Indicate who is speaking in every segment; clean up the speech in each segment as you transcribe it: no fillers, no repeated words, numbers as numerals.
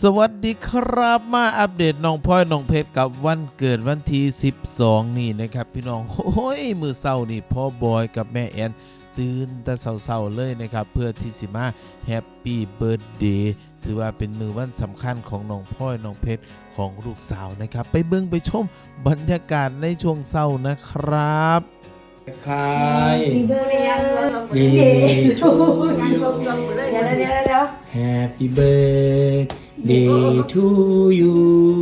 Speaker 1: สวัสดีครับมาอัปเดตน้องพลอยน้องเพชรกับวันเกิดวันที่12นี่นะครับพี่น้องโอ้ยมือเศร้านี่พ่อบอยกับแม่แอนตื่นแต่เศร้าๆเลยนะครับเพื่อที่สิมาแฮปปี้เบิร์ธเดย์ถือว่าเป็นมือวันสำคัญของน้องพลอยน้องเพชรของลูกสาวนะครับไปเบิ่งไปชมบรรยากาศในช่วงเศร้านะครับ
Speaker 2: ใครดีชู
Speaker 3: เดี๋ยว
Speaker 2: Happy birthday to you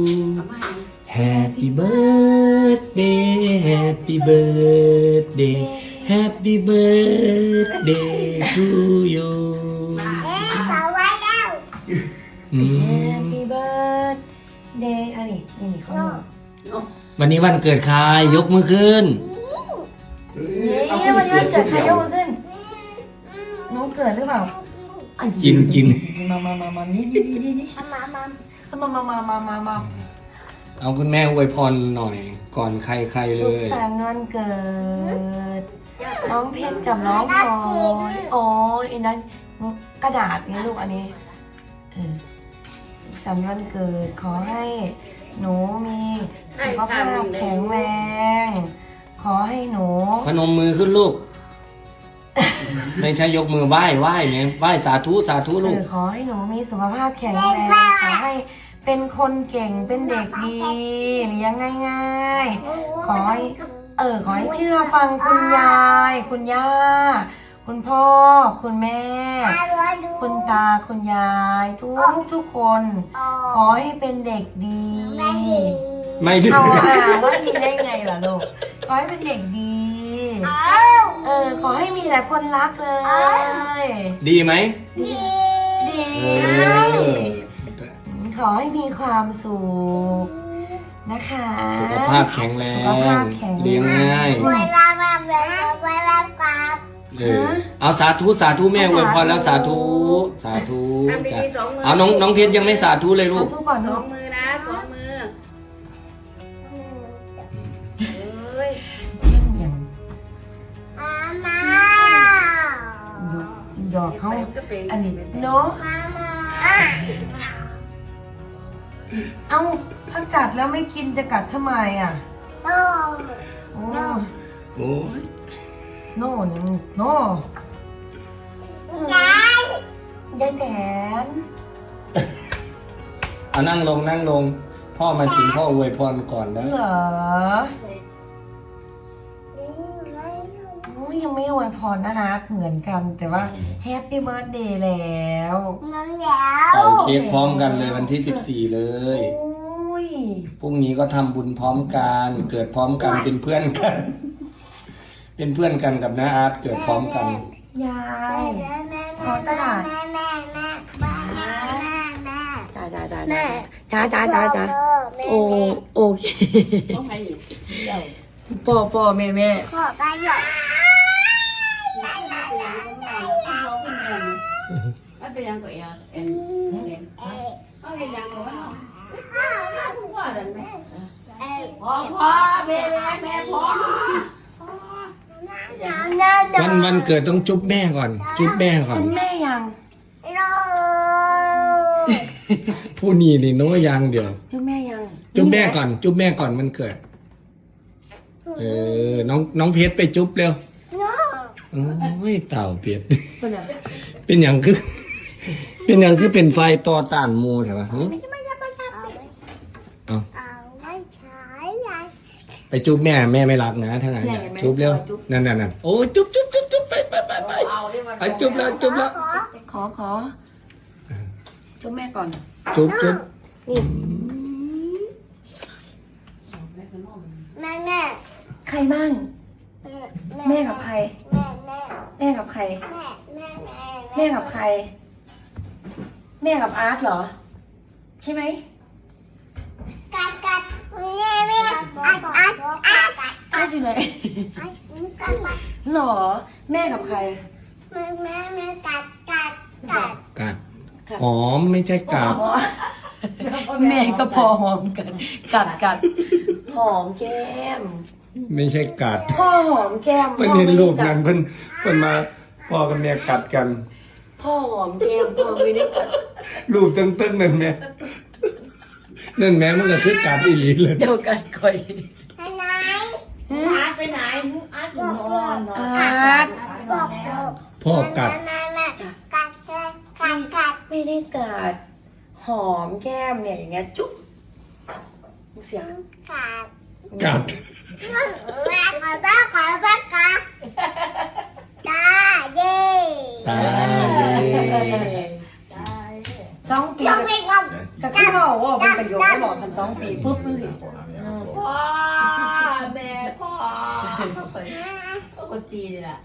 Speaker 2: Happy birthday Happy birthday Happy birthday to you
Speaker 3: Happy birthday อันนี้เขา
Speaker 2: วันนี้วันเกิดใครยกมือขึ้น
Speaker 3: วันนี้วันเกิดใครยกมือขึ้นน้องเกิดหรือเปล่า
Speaker 2: กิน
Speaker 3: มานี่มา
Speaker 2: เอาคุณแม่อวยพรหน่อยก่อนใครเล
Speaker 3: สุข
Speaker 2: ย
Speaker 3: สันต์วันเกิดน้องเพชรกับน้องพลอยโอ้ยอันนั้นกระดาษนี่ลูกอันนี้สุขสันต์วันเกิดขอให้หนูมีสุขภาพแข็งแรงขอให้หนู
Speaker 2: พนมมือขึ้นลูกไม่ใช่ยกมือไหว้เนี่ยไหว้สาธุลูก
Speaker 3: ขอให้หนูมีสุขภาพแข็งแรงขอให้เป็นคนเก่งเป็นเด็กดีเลี้ยงง่ายๆขอให้เชื่อฟังคุณยายคุณย่าคุณพ่อคุณแม่คุณตาคุณยายทุกคนขอให้เป็นเด็กดี
Speaker 2: ไม่ดี
Speaker 3: ว่าดีได้ไงล่ะลูกขอให้เป็นเด็กดีขอให้มีหลายคนรักเลย
Speaker 2: ดีไหม
Speaker 3: ดีขอให้มีความสุขนะคะ
Speaker 2: สุขภาพแข็งแรงเลี้ยงง่ายเอาสาธุแม่อวยพรแล้วสาธุจ้ะเอาน้องเพชรยังไม่สาธุเลยลูก
Speaker 4: สองมือนะสองมือ
Speaker 3: หยอกเขาอันนี้เนาะเอาถ้ากัดแล้วไม่กินจะกัดทำไมอ่ะโอ้ยโน่ยายแตน
Speaker 2: เอานั่งลงพ่อมาถึงพ่ออวยพรก่อนแล้ว
Speaker 3: เหรอยังไม่อวยพรนะคะเหมือนกันแต่ว่าแฮปปี้เบิร์ธเดย์แล้ว
Speaker 2: เป่าเค้กพร้อมกันเลยวันที่14เลยพรุ่งนี้ก็ทำบุญพร้อมกันเกิดพร้อมกันเป็นเพื่อนกันกับน้าอาร์ตเกิดพร้อมกัน
Speaker 3: ยายขอตลาดจ้าโอเคพ่อแม่
Speaker 4: ขอไปหยอกมันเป็นยังไงอ่ะเขาเป็นยังไงวะพ่อเดินแม่พ่อแม่พ่อ
Speaker 2: วันเกิดต้องจุ๊บแม่ก่อน
Speaker 3: จุ๊บแม่ยัง
Speaker 2: ผู้นี้นี่น้อยยังเดี๋ยว
Speaker 3: จุ๊บแม่ยัง
Speaker 2: จุ๊บแม่ก่อนมันเกิดน้องเพชรไปจุ๊บเร็วโอ้ยเต่าเพชรเป็นอย่างคือเป็นไฟต่อต้านมูใช่ปะเอาไปจุ๊บแม่ไม่รักนะถ้างั้นจุ๊บเร็วนั่นโอ้จุ๊บไปไปจุ๊บแล้ว
Speaker 3: ขอจุ๊บแม่ก่อน
Speaker 2: จุ๊บ
Speaker 3: นี่
Speaker 4: แม่
Speaker 3: ใครบ้างแม่กับใครแม่กับใครแม่กับใครแม่กับอาร์ตเหรอใช่ไหม
Speaker 4: กัดแม่
Speaker 3: อาร์ตอยู่ไหนหรอแม่กับใคร
Speaker 4: แม่
Speaker 2: กัดหอมไม่ใช่กัด
Speaker 3: แม่ก็พอหอมกันกัดหอมแก้ม
Speaker 2: ไม่ใช่กัด
Speaker 3: พ่อหอมแก้ม
Speaker 2: เพิ่นเห็นรูปนั้นเพิ่นมาพ่อกับแม่กัดกัน
Speaker 3: พ่อหอมแก้มพ่อไม่ได้กัด
Speaker 2: รูปตึ้งๆนั่นแม่มันก็คือกัดอีหลีเลย
Speaker 3: เจ้ากัดคอย
Speaker 4: อาร์ตไปไหนอาร์ตอยู่นอน
Speaker 3: อาร์ต
Speaker 2: พ่อกัด
Speaker 3: ไม่ได้กัดหอมแก้มเนี่ยอย่างเงี้ยจุ๊บเสียง
Speaker 2: กัด ตาย
Speaker 3: 2 ปีก็คือเราว่าเป็นประโยชน์ได้บอกกัน2 ปีปุ๊บเลย
Speaker 4: พ่อแม่พ่อปกติเลยล่ะ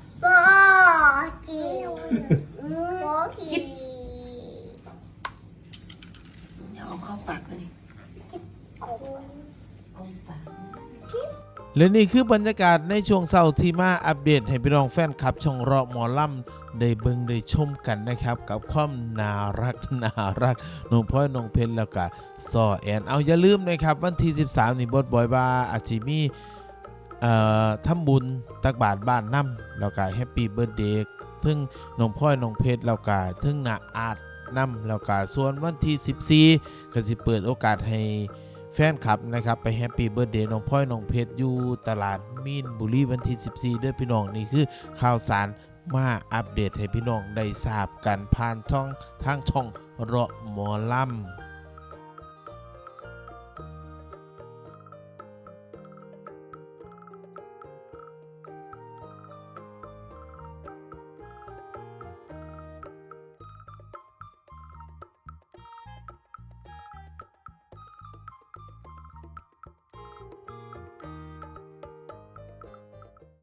Speaker 3: อย่าเอาเข้าปากเลย
Speaker 1: และนี่คือบรรยากาศในช่วงเช้าที่มาอัปเดตให้พี่น้องแฟนคลับช่องเราะหมอลำได้เบิ่งได้ชมกันนะครับ กับความน่ารักน้องพลอยน้องเพชรแล้วก็ซอแอนเอาอย่าลืมนะครับวันที่13นี่บดบอยบาอาจิมีทำบุญตักบาตรบ้านน้ำแล้วก็แฮปปี้เบิร์ธเดย์ถึงน้องพลอยน้องเพชรแล้วก็ถึงนาอาดน้ำแล้วก็ส่วนวันที่14ก็สิเปิดโอกาสให้แฟนคลับนะครับไปแฮปปี้เบิร์ธเดย์น้องพลอยน้องเพชรอยู่ตลาดมีนบุรีวันที่14ด้วยพี่น้องนี่คือข่าวสารมาอัปเดตให้พี่น้องได้ทราบกันผ่านทางช่องเราะหมอลำ